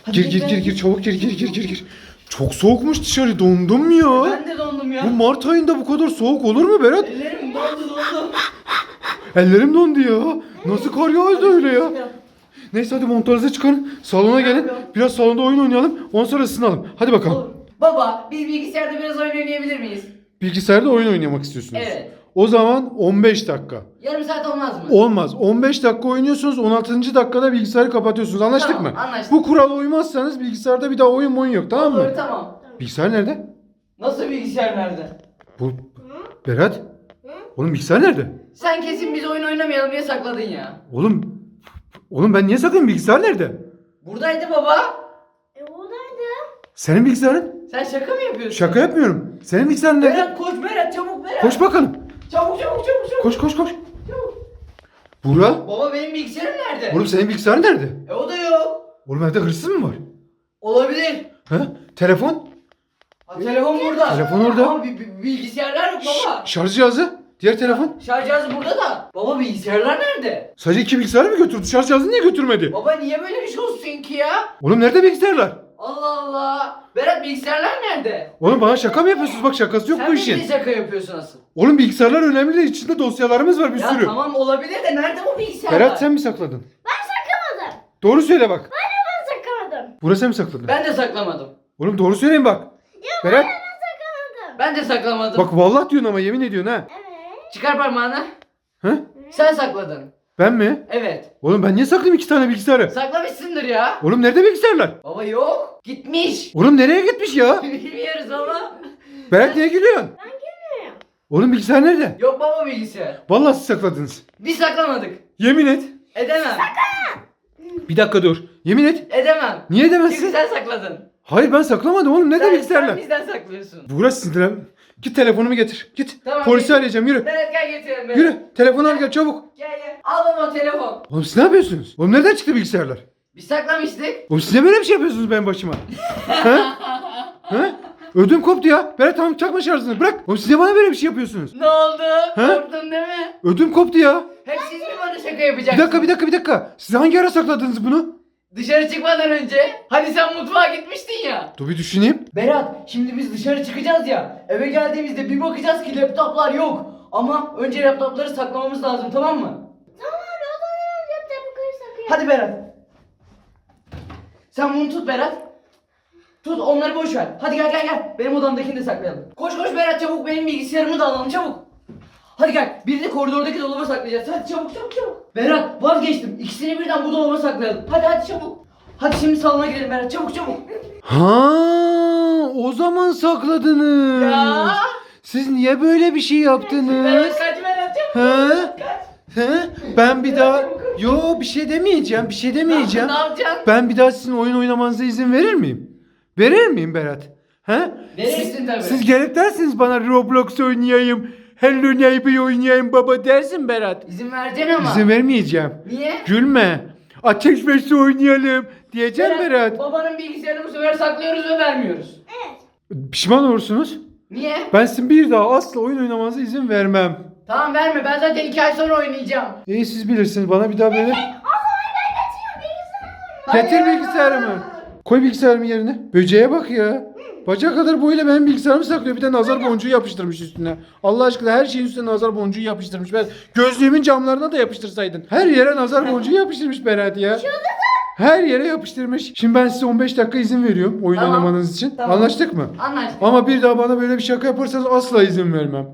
Gir çabuk gir. Çok soğukmuş dışarı, dondum ya. Ben de dondum ya. Bu Mart ayında bu kadar soğuk olur mu Berat? Ellerim dondu. Ellerim dondu ya. Nasıl kar yağdı öyle ya? Neyse hadi montlarınızı çıkarın. Salona gelin. Biraz salonda oyun oynayalım. Ondan sonra ısınalım. Hadi bakalım. Olur. Baba biz bilgisayarda biraz oyun oynayabilir miyiz? Bilgisayarda oyun oynamak istiyorsunuz. Evet. O zaman 15 dakika. Yarım saat olmaz mı? Olmaz. 15 dakika oynuyorsunuz. 16. dakikada bilgisayarı kapatıyorsunuz. Anlaştık Tamam, mı? anlaştık. Bu kurala uymazsanız bilgisayarda bir daha oyun yok. Tamam mı? Olur tamam. Bilgisayar nerede? Nasıl bilgisayar nerede? Bu Berat. Oğlum bilgisayar nerede? Sen kesin biz oyun oynamayalım diye sakladın ya. Oğlum ben niye saklayayım? Bilgisayar nerede? Buradaydı baba. Oradaydı. Senin bilgisayarın? Sen şaka mı yapıyorsun? Şaka yapmıyorum. Senin bilgisayarın nerede? Berat koş Berat çabuk Berat. Koş bakalım. Çabuk. Koş. Çabuk. Buğra. Baba benim bilgisayarım nerede? Oğlum senin bilgisayarın nerede? O da yok. Oğlum evde hırsız mı var? Olabilir. He? Telefon? Ha, telefon burada. Telefon orada. Ama bilgisayarlar yok baba. Şarj cihazı? Diğer telefon? Şarj cihazı burada da. Baba bilgisayarlar nerede? Sadece 2 bilgisayarı mı götürdü? Şarj cihazını niye götürmedi? Baba niye böyle bir şey olsun ki ya? Oğlum nerede bilgisayarlar? Allah Allah. Berat bilgisayarlar nerede? Oğlum bana şaka mı yapıyorsunuz? Bak şakası yok Sen bu mi işin. bir şaka yapıyorsun asıl? Oğlum bilgisayarlar önemli değil. İçinde dosyalarımız var bir Ya sürü. tamam olabilir de nerede bu bilgisayarlar? Berat sen mi sakladın? Ben saklamadım. Doğru söyle bak. Ben saklamadım. Burası sen mi sakladın? Ben de saklamadım. Oğlum doğru söyleyin bak. Berat. Ben saklamadım. Ben de saklamadım. Bak vallahi diyorsun ama yemin ediyorsun ha. Evet. Çıkar parmağını. He? Sen sakladın. Ben mi? Evet. Oğlum ben niye saklayayım 2 tane bilgisayarı? Saklamışsındır ya. Oğlum nerede bilgisayarlar? Baba yok. Gitmiş. Oğlum nereye gitmiş ya? Bilmiyoruz ama. Berat niye gülüyorsun? Ben gelmiyorum. Oğlum bilgisayar nerede? Yok baba bilgisayar. Vallahi siz sakladınız. Biz saklamadık. Yemin et. Edemem. Bir dakika dur. Yemin et. Edemem. Niye Çünkü edemezsin? sen sakladın. Hayır ben saklamadım oğlum. Nerede Sen bilgisayarlar? bizden saklıyorsun. Burası sinirlen. Git telefonumu getir. Git. Tamam, Polisi git. arayacağım yürü. Berat gel getirelim Berat. Yürü. Telefonu al gel çabuk. Gel. Al baba telefon. Oğlum siz ne yapıyorsunuz? Oğlum nereden çıktı bilgisayarlar? Biz saklamıştık. Oğlum siz ne böyle bir şey yapıyorsunuz benim başıma? He? He? Ödüm koptu ya. Berat tamam çakma şarjını bırak. Oğlum siz ne bana böyle bir şey yapıyorsunuz? Ne oldu? He? Korktun değil mi? Ödüm koptu ya. Hep siz mi bana şaka Bir yapacaksınız? dakika. Siz hangi ara sakladınız bunu? Dışarı çıkmadan önce. Hani sen mutfağa gitmiştin ya. Dur bir düşüneyim. Berat şimdi biz dışarı çıkacağız ya. Eve geldiğimizde bir bakacağız ki laptoplar yok. Ama önce laptopları saklamamız lazım tamam mı? Tamam abi o zaman laptopu saklayalım. Hadi Berat. Sen bunu tut Berat. Tut onları boş ver. Hadi gel. Benim odamdakini de saklayalım. Koş Berat çabuk benim bilgisayarımı da alalım çabuk. Hadi gel. Birini koridordaki dolaba saklayacağız. Hadi çabuk. Berat vazgeçtim. İkisini birden bu dolaba saklayalım. Hadi çabuk. Hadi şimdi salona gidelim Berat çabuk. Ha, o zaman sakladınız. Ya. Siz niye böyle bir şey yaptınız? Berat kaç Berat çabuk. He? Kaç. He? Ben bir daha yo bir şey demeyeceğim. Ne yapacaksın? Ben bir daha sizin oyun oynamanıza izin verir miyim? Verir miyim Berat? He? Verirsin tabii. Siz gelip dersiniz bana Roblox oynayayım. Hello Neighbor oynayayım baba dersin Berat. İzin vereceksin ama. İzin vermeyeceğim. Niye? Gülme. Ateş Besi oynayalım diyeceğim Berat. Babanın bilgisayarını bu sefer saklıyoruz ve vermiyoruz. Pişman olursunuz. Niye? Ben sizin bir daha asla oyun oynamanıza izin vermem. Tamam verme ben zaten 2 ay sonra oynayacağım. İyi siz bilirsiniz bana bir daha böyle. O zaman ben getiriyorum bilgisayarı. Getir Hayır. bilgisayarımı. Koy bilgisayarımı yerine. Böceğe bak ya. Bacak kadar boyuyla benim bilgisayarımı saklıyor. Bir de nazar boncuğu yapıştırmış üstüne. Allah aşkına her şeyin üstüne nazar boncuğu yapıştırmış. Ben gözlüğümün camlarına da yapıştırsaydın. Her yere nazar boncuğu yapıştırmış Berat ya. Her yere yapıştırmış. Şimdi ben size 15 dakika izin veriyorum oyun Tamam. oynamanız için. Tamam. Anlaştık mı? Anlaştık. Ama bir daha bana böyle bir şaka yaparsanız asla izin vermem.